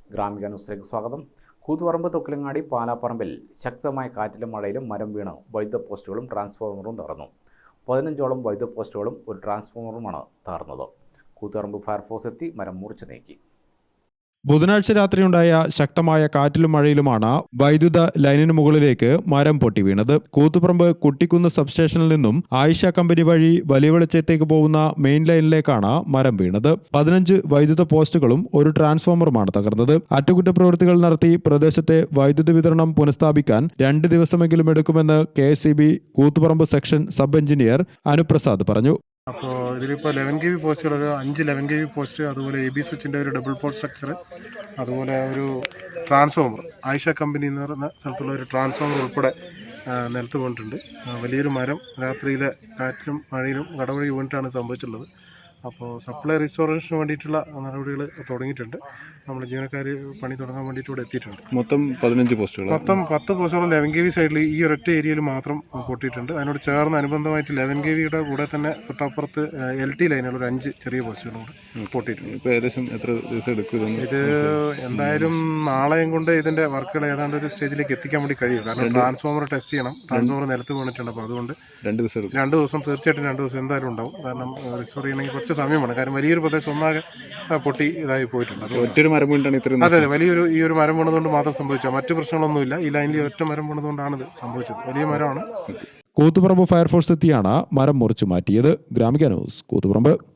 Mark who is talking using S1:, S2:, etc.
S1: ഗ്രാമിക ന്യൂസിലേക്ക് സ്വാഗതം. കൂത്തുപറമ്പ് തൊക്കിലങ്ങാടി പാലാപ്പറമ്പിൽ ശക്തമായ കാറ്റിലും മഴയിലും മരം വീണ് വൈദ്യുത പോസ്റ്റുകളും ട്രാൻസ്ഫോമറും തകർന്നു. 15ഓളം വൈദ്യുത പോസ്റ്റുകളും ഒരു ട്രാൻസ്ഫോമറുമാണ് തകർന്നത്. കൂത്തുപറമ്പ് ഫയർഫോഴ്സ് എത്തി മരം മുറിച്ചു നീക്കി.
S2: ബുധനാഴ്ച രാത്രിയുണ്ടായ ശക്തമായ കാറ്റിലും മഴയിലുമാണ് വൈദ്യുത ലൈനിന് മുകളിലേക്ക് മരം പൊട്ടി വീണത്. കൂത്തുപറമ്പ് കുട്ടിക്കുന്ന് സബ്സ്റ്റേഷനിൽ നിന്നും ആയിഷ കമ്പനി വഴി വലിയ വെളിച്ചത്തേക്ക് പോകുന്ന മെയിൻ ലൈനിലേക്കാണ് മരം വീണത്. 15 വൈദ്യുത പോസ്റ്റുകളും ഒരു ട്രാൻസ്ഫോമറുമാണ് തകർന്നത്. അറ്റകുറ്റപ്രവൃത്തികൾ നടത്തി പ്രദേശത്തെ വൈദ്യുതി വിതരണം പുനഃസ്ഥാപിക്കാൻ 2 ദിവസമെങ്കിലും എടുക്കുമെന്ന് KSEB Koothuparamba section sub engineer Anuprasad പറഞ്ഞു.
S3: അപ്പോൾ ഇതിലിപ്പോൾ 11 kV പോസ്റ്റുകൾ, ഒരു 5 11 kV പോസ്റ്റ്, അതുപോലെ AB സ്വിച്ചിൻ്റെ ഒരു ഡബിൾ പോർട്ട് സ്ട്രക്ചർ, അതുപോലെ ഒരു ട്രാൻസ്ഫോമർ, ആയിഷ കമ്പനി എന്ന് പറയുന്ന സ്ഥലത്തുള്ള ഒരു ട്രാൻസ്ഫോമർ ഉൾപ്പെടെ നിലത്ത് വീണിട്ടുണ്ട്. വലിയൊരു മരം രാത്രിയിലെ കാറ്റിലും മഴയിലും കടവഴി വീണിട്ടാണ് സംഭവിച്ചിട്ടുള്ളത്. അപ്പോൾ സപ്ലൈ റീസ്റ്റോറേഷന് വേണ്ടിയിട്ടുള്ള നടപടികൾ തുടങ്ങിയിട്ടുണ്ട്. നമ്മൾ ജീവനക്കാർ പണി തുടങ്ങാൻ വേണ്ടിയിട്ട് ഇവിടെ എത്തിയിട്ടുണ്ട്.
S2: മൊത്തം 15 പോസ്റ്റുകൾ,
S3: മൊത്തം 10 പോസ്റ്റുകൾ 11 kV സൈഡിൽ ഈ ഒരൊറ്റ ഏരിയയിൽ മാത്രം പൊട്ടിയിട്ടുണ്ട്. അതിനോട് ചേർന്ന് അനുബന്ധമായിട്ട് 11 kVയുടെ കൂടെ തന്നെ തൊട്ടപ്പുറത്ത് LT ലൈനുള്ള ഒരു 5 ചെറിയ പോസ്റ്റുകളും കൂടെ പൊട്ടിയിട്ടുണ്ട്.
S2: ഇപ്പോൾ ഏകദേശം എത്ര ദിവസം എടുക്കും?
S3: ഇത് എന്തായാലും നാളെയും കൊണ്ട് ഇതിൻ്റെ വർക്കുകൾ ഏതാണ്ട് ഒരു സ്റ്റേജിലേക്ക് എത്തിക്കാൻ വേണ്ടി കഴിയും. കാരണം ട്രാൻസ്ഫോമർ ടെസ്റ്റ് ചെയ്യണം. ട്രാൻസ്ഫോമർ നിലത്ത് വീണിട്ടുണ്ട്. അപ്പോൾ അതുകൊണ്ട് 2 ദിവസം തീർച്ചയായിട്ടും 2 ദിവസം എന്തായാലും ഉണ്ടാവും. കാരണം റിസ്റ്റോർ ചെയ്യണമെങ്കിൽ കുറച്ച് സമയമാണ്. കാരണം വലിയൊരു പ്രദേശം ഒന്നാകെ പൊട്ടി ഇതായി പോയിട്ടുണ്ട്.
S2: ഒറ്റൊരു മരം വീണ്ടാണ് ഇത്രയും.
S3: അതെ, വലിയൊരു ഈ ഒരു മരം വീണതുകൊണ്ട് മാത്രം സംഭവിച്ചു. മറ്റു പ്രശ്നങ്ങളൊന്നുമില്ല. ഈ ലൈനിൽ ഒറ്റ മരം വീണതുകൊണ്ടാണ് ഇത് സംഭവിച്ചത്. വലിയ മരമാണ്.
S2: കൂത്തുപറമ്പ് ഫയർഫോഴ്സ് എത്തിയാണ് മരം മുറിച്ചു മാറ്റിയത്. ഗ്രാമിക ന്യൂസ്, കൂത്തുപറമ്പ്.